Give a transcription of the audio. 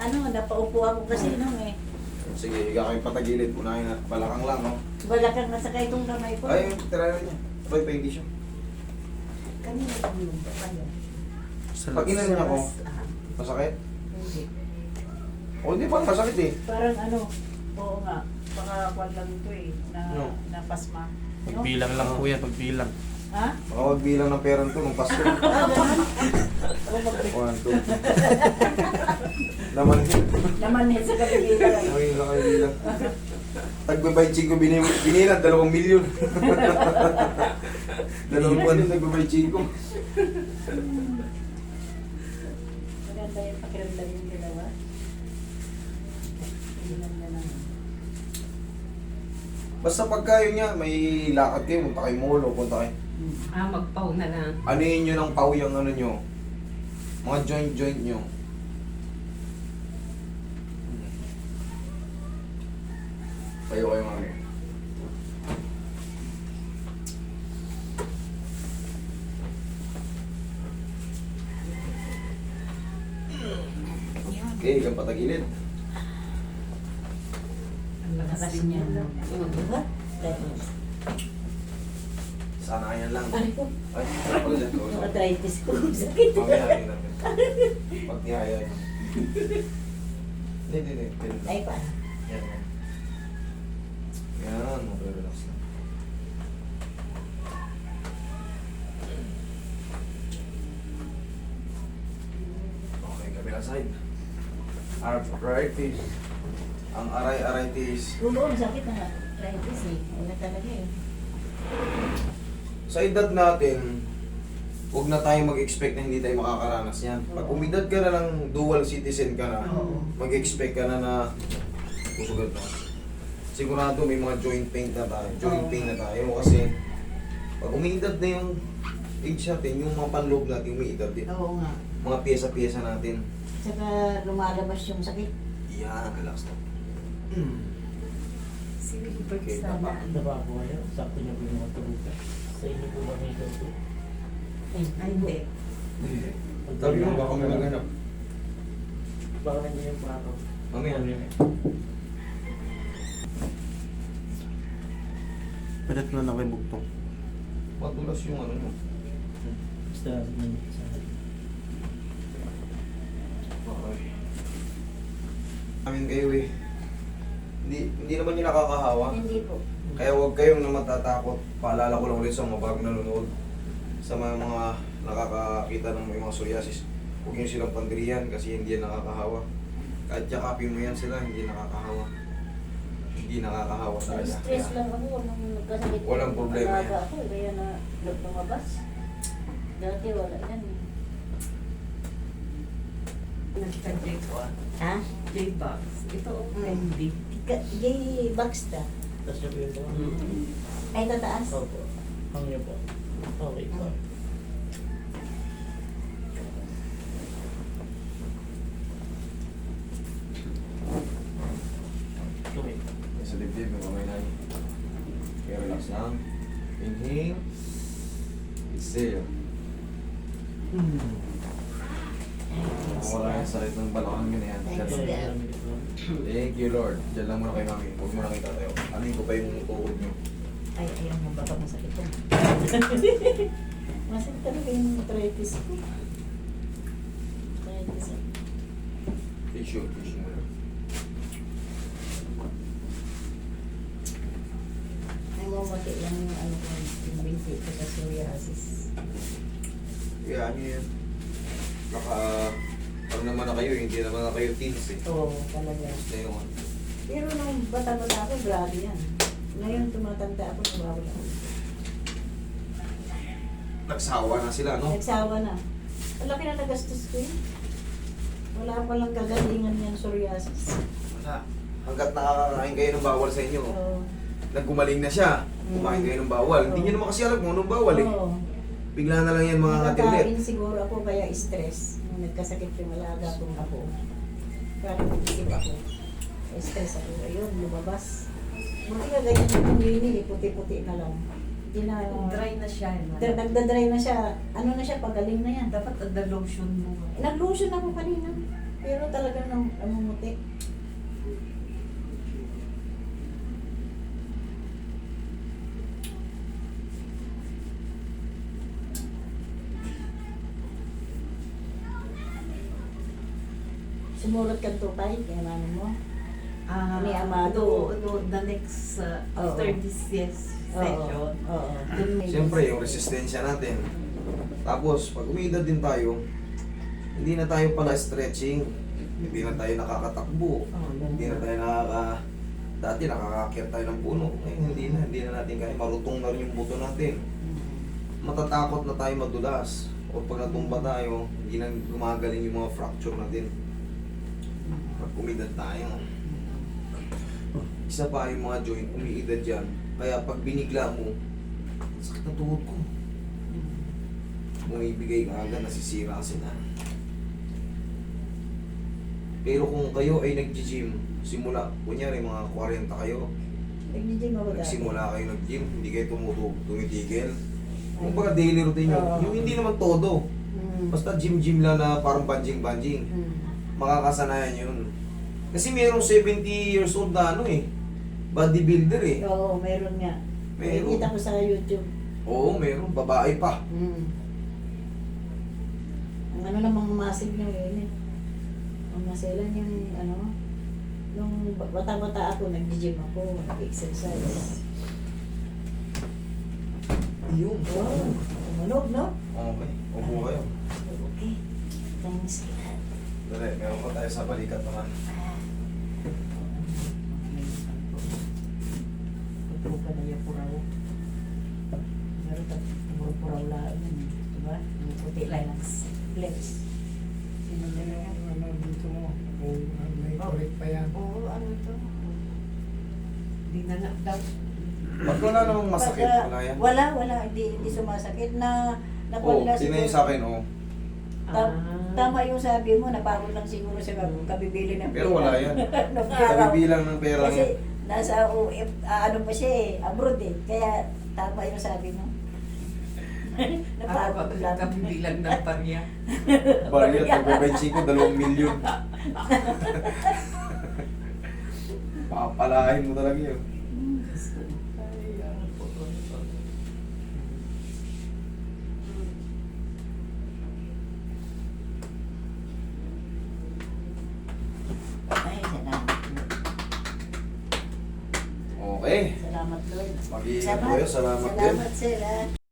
napaupo ako kasi nung Sige, higa kayo patagilid. Unahin at balakang lang, no? balakang na sa itong kamay ko. Ay, tira niya. Try pa hindi siya. Kanina tulog pa kayo. Pag inanin ako, masakit? Hindi. O, hindi pa masakit eh. Parang oo nga, baka kwan lang ito No. napasma. No? Pagbilang lang po yan, pagbilang. Ha? Baka magbilang ng pera nito nung Pasko. Ganun? Oo, 1, 2. Naman yun. Naman sa kabibilan. Ay, nakabilang. Tagbabay-ching ko binilan, 2 milyon. 2 buwan yung tagbabay-ching ko. Maganda yung pakiramdam yung dalawa. Maganda naman. Basta pagka yun niya, may lakad kayo, punta kayo mall o punta kayo. Magpaw na lang. Ano yun yun ang pau yung ano nyo? Mga joint nyo. Tayo kayo mami. Okay, ilang patagilid. Ang lakas Lakas din niya. yan. Diba? Dahil. Sana yan lang. Ay ko, Ay, pala dyan. yung arthritis ko. Sakit. Mamaya rin natin. Pag nihaya nyo. Hindi. Ay pa. Yan. Yan, mag-relax lang. Okay, kabila side. Arthritis. Ang aray-aritis. Oo, sakit na arthritis Wala talaga Sa edad natin, huwag na tayong mag-expect na hindi tayo makakaranas yan. Pag umidad ka na ng dual citizen ka na, Oo. mag-expect ka na susugat na. Sigurado may mga joint pain na tayo. Joint Oo. pain na tayo kasi pag umiidad na yung age natin, yung mga panloob natin umiidad din. Oo nga. Mga pyesa-pyesa natin. Saka lumalabas yung sakit. Yan, relax na. Si Wilbert Okay, sana. tama. Diba po kayo? Sakto niya po yung mga tulugan. Sa inyo po ba may ganito? Ay, hindi. Sabi mo, baka may maghanap. Baka nandiyan yung plato. Mamaya. Padat na lang kay Bugtong. Matulas yung ano nyo. Basta nandiyan sa Okay. Amin kayo eh. Hindi naman yung nakakahawa. Hindi po. Kaya huwag kayong na matatakot. Paalala ko lang ulit sa mga bagong nanonood. Sa mga nakakakita ng may mga psoriasis. Huwag nyo silang pandiriyan kasi hindi yan nakakahawa. Kahit yakapin mo yan sila, hindi nakakahawa. Hindi nakakahawa talaga. Stress lang ako nung nagkasakit. Walang problema yan. Alaga ako, kaya na lumabas. Dati wala yan Nagka-J ko. Ha? J-Box. Ito, hindi. Gay box ta. Tapos niya po yung mga. Ay, tataas. Opo. Ang niyo po. Okay po. Okay. Sa dibdib, may kamay na. Kaya relax lang. Inhale. Exhale. Wala yung sakit ng balakang yun yan. Thanks, Diyan. God. Thank you, Lord. Diyan lang muna kay mami. Huwag mo na kayo tatayo. Anin ko pa yung tuhod nyo. Ay, ayaw mo, baka masakit yan. Masakit talaga yung arthritis ko. Arthritis ako. Tissue mo lang. Ay, mamati lang yung ano ko, yung binti ko sa psoriasis. Kaya ano yan. Pag naman na kayo, hindi naman na kayo teens eh. Oo, talaga. Na yun. Pero nung bata-bata ako, grabe yan. Ngayon, tumatanda ako, nawawala ako. Nagsawa na sila, no? Nagsawa na. Ang laki na nagastos ko yun. Wala pa lang kagalingan yan, psoriasis. Wala. Hanggat nakakakain kayo ng bawal sa inyo. Oo. Nagkumaling na siya. Kumain kayo ng bawal. Hindi nyo naman kasi alam kung anong bawal eh. Oo. Bigla na lang yan mga katilit. Nagkakain siguro ako kaya stress. Nung nagkasakit yung alaga kong ako. Parang nag-isip ako. Stress ako. Ayun, lumabas. Buti ka ganyan yung yun puti-puti na lang. Hindi na, Dry na siya. nagda-dry na siya. Ano na siya, pagaling na yan. Dapat the lotion mo. Nag-lotion ako kanina. Pero talagang Sumurot kang tupay, kaya mano mo. Ni No, Amado. the next, Oo. after this session. Oo. Dun may- Siyempre, yung resistensya natin. Tapos, pag umidad din tayo, hindi na tayo pala stretching. Hindi na tayo nakakatakbo. Hindi na tayo dati nakakakyat tayo ng puno. Ngayon, hindi na natin kaya. Marutong na rin yung buto natin. Matatakot na tayo madulas. O pag natumba tayo, hindi na gumagaling yung mga fracture natin. Pag umidad tayo. Isa pa yung mga joint, umiidad yan. Kaya pag binigla mo, sakit na tuhod ko. Bumibigay ka agad, nasisira sila. Pero kung kayo ay nag-gym, simula, kunyari mga 40 kayo, Nag-gym ako dati. nagsimula kayo nag-gym, hindi kayo tumitigil. Kung baga daily routine nyo, Oo. yung hindi naman todo. Basta gym-gym lang na parang banjing-banjing. Makakasanayan yun. Kasi mayroong 70 years old na bodybuilder eh. Oo, meron nga. Meron. Nakikita ko sa YouTube. Oo, mayroong babae pa. Ang ano namang massive nyo yun eh. Ang maselan yung nung bata-bata ako, nag-gym ako, nag-exercise. Yun. Wow, tumunog, no? Okay, upo kayo. Okay. Thanks a lot. Dali, meron pa tayo sa balikat naman. Pagpuka na yung puraw. Meron ka puraw lang yun. Diba? Yung puti lang ng lips. Sino na yan? Ano dito mo? Kung may correct pa yan. Oo, ano to? Hindi na nga daw. Pag wala namang masakit, Pagka- wala yan. Wala. Hindi sumasakit na Oo, napala tingnan nyo sa akin, Tama yung sabi mo, napagod lang siguro sa kabibili ng Pero wala yan. Nung araw. Kabibilang ng pera Kasi yan. nasa ano pa siya eh, abroad eh. Kaya tama yung sabi mo. Napagod lang. Kabilang ng pariya. Barrier, pagbabenching ko, 2 milyon. Papalahin mo talaga yun. Ay, salamat. Okay. Salamat Lord. Mag-iingat kayo. Salamat din. Salamat sir.